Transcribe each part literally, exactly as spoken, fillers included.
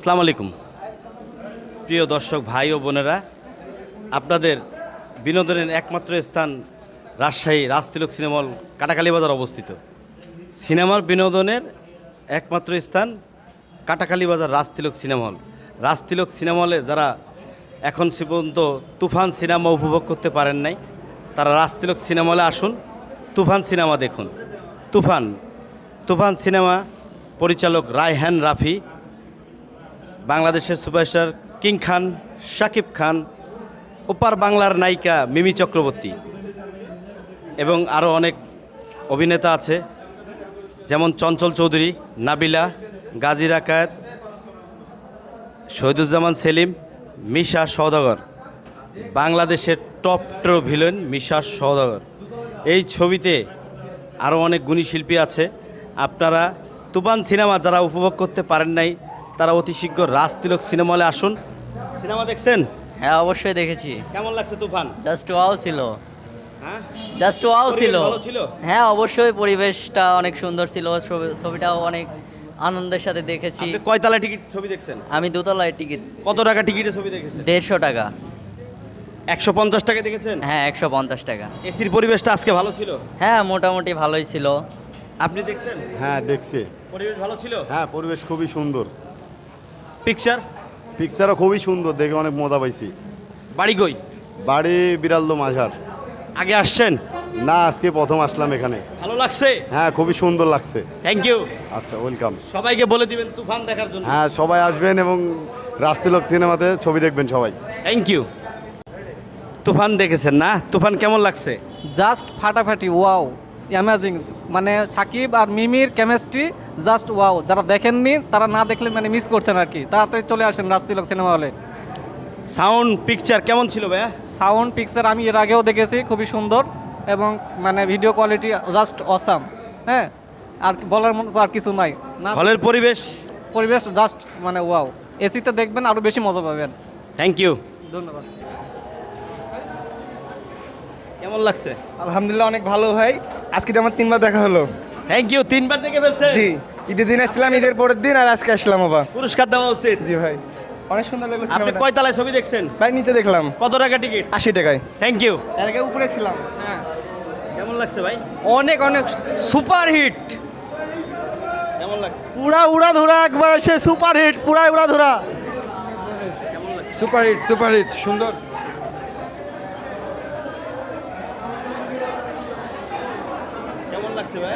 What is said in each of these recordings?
আসসালামু আলাইকুম প্রিয় দর্শক ভাই ও বোনেরা, আপনাদের বিনোদনের একমাত্র স্থান রাজশাহী রাজতিলক সিনেমা হল কাটাখালী বাজার অবস্থিত। সিনেমার বিনোদনের একমাত্র স্থান কাটাখালী বাজার রাজতিলক সিনেমা হল। রাজতিলক সিনেমা হলে যারা এখন সে পর্যন্ত তুফান সিনেমা উপভোগ করতে পারেন নাই, তারা রাজতিলক সিনেমা হলে আসুন, তুফান সিনেমা দেখুন। তুফান তুফান সিনেমা পরিচালক রায়হান রাফি, বাংলাদেশের সুপারস্টার কিং খান, শাকিব খান, ওপার বাংলার নায়িকা মিমি চক্রবর্তী এবং আরও অনেক অভিনেতা আছে, যেমন চঞ্চল চৌধুরী, নাবিলা, গাজী রাকায়েত, শহীদুজ্জামান সেলিম, মিশা সওদাগর, বাংলাদেশের টপ ট্রো ভিলেন মিশা সওদাগর। এই ছবিতে আরও অনেক গুণী শিল্পী আছে। আপনারা তুফান সিনেমা যারা উপভোগ করতে পারেন নাই, তারা অতি শীঘ্র রাজতিলক সিনেমা হলে আসুন। সিনেমা দেখছেন? হ্যাঁ, অবশ্যই দেখেছি। কেমন লাগছে তুফান? জাস্ট ওয়াও ছিল। হ্যাঁ, জাস্ট ওয়াও ছিল। ভালো ছিল? হ্যাঁ, অবশ্যই পরিবেশটা অনেক সুন্দর ছিল, ছবি- ছবিটাও অনেক আনন্দের সাথে দেখেছি। আপনি কয়তলা টিকিট ছবি দেখছেন? আমি দোতলায় টিকিট কত টাকা টিকিটে ছবি দেখেছেন? দেড়শো টাকা। একশো পঞ্চাশ টাকা দেখেছেন? হ্যাঁ, একশো পঞ্চাশ টাকা। এসির পরিবেশটা আজকে ভালো ছিল? হ্যাঁ, মোটামুটি ভালোই ছিল। আপনি দেখছেন? হ্যাঁ দেখছি। পরিবেশ ভালো ছিল? হ্যাঁ পরিবেশ খুবই সুন্দর, পিকচার? পিকচারও খুবই সুন্দর, দেখে অনেক মজা পাইছি। বাড়ি কই? বাড়ি বিড়ালদো মাঝার। আগে আসছেন? না, আজকে প্রথম আসলাম এখানে। ভালো লাগছে? হ্যাঁ খুবই সুন্দর লাগছে। Thank you. আচ্ছা, ওয়েলকাম। সবাইকে বলে দিবেন তুফান দেখার জন্য। হ্যাঁ সবাই আসবেন এবং রাজতিলক সিনেমাতে ছবি দেখবেন সবাই। Thank you. তুফান দেখেছেন না? তুফান কেমন লাগছে? জাস্ট ফাটাফাটি, ওয়াও, অ্যামেজিং। মানে সাকিব আর মিমির কেমিস্ট্রি জাস্ট ওয়াও। যারা দেখেননি তারা না দেখলে মানে মিস করছেন আর কি। তাড়াতাড়ি চলে আসেন রাজতিলক সিনেমা হলে। সাউন্ড পিকচার কেমন ছিল ভাইয়া? সাউন্ড পিকচার আমি এর আগেও দেখেছি, খুবই সুন্দর এবং মানে ভিডিও কোয়ালিটি জাস্ট অসাম। হ্যাঁ, আর বলার মতো আর কিছু নাই না। হলের পরিবেশ? পরিবেশ জাস্ট মানে ওয়াও। এসিতে দেখবেন আরও বেশি মজা পাবেন। Thank you. ধন্যবাদ। কেমন লাগছে? আলহামদুলিল্লাহ অনেক ভালো ভাই। আজকে তো আমার তিনবার দেখা হলো। Thank you. তিনবার দেখে ফেলছে? জি, ঈদের দিন আসছিলাম, ঈদের পরের দিন আর আজকে আসলাম আবার। পুরস্কার দেওয়া উচিত। জি ভাই, অনেক সুন্দর লাগলো আপনি সিনেমাটা। কয় তলায় ছবি দেখছেন? ভাই নিচে দেখলাম কত টাকা টিকিট? আশি টাকায়। Thank you. এর আগে উপরে ছিলাম। কেমন লাগছে ভাই? অনেক অনেক সুপার হিট। কেমন লাগছে? পুরা উড়া ধরা একবার সে সুপার হিট, পুরাই উড়া ধরা। সুপার হিট সুপার হিট সুন্দর। কেমন লাগছে ভাই?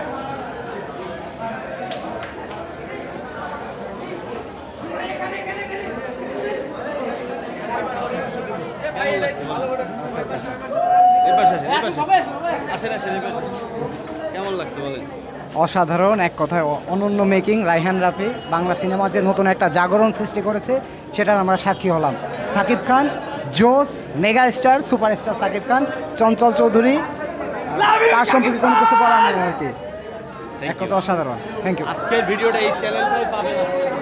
কেমন লাগছে বলেন? অসাধারণ, এক কথায় অ- অনন্য মেকিং। রায়হান রাফি বাংলা সিনেমা যে নতুন একটা জাগরণ সৃষ্টি করেছে সেটার আমরা সাক্ষী হলাম। সাকিব খান জোস, mega star, superstar Shakib Khan, Chanchal Chowdhury, তার সম্পর্কে কোনো কিছু বলার নেই আর কি। এক কথা অসাধারণ। Thank you. আজকের ভিডিওটা এই চ্যানেলটাই পাবেন।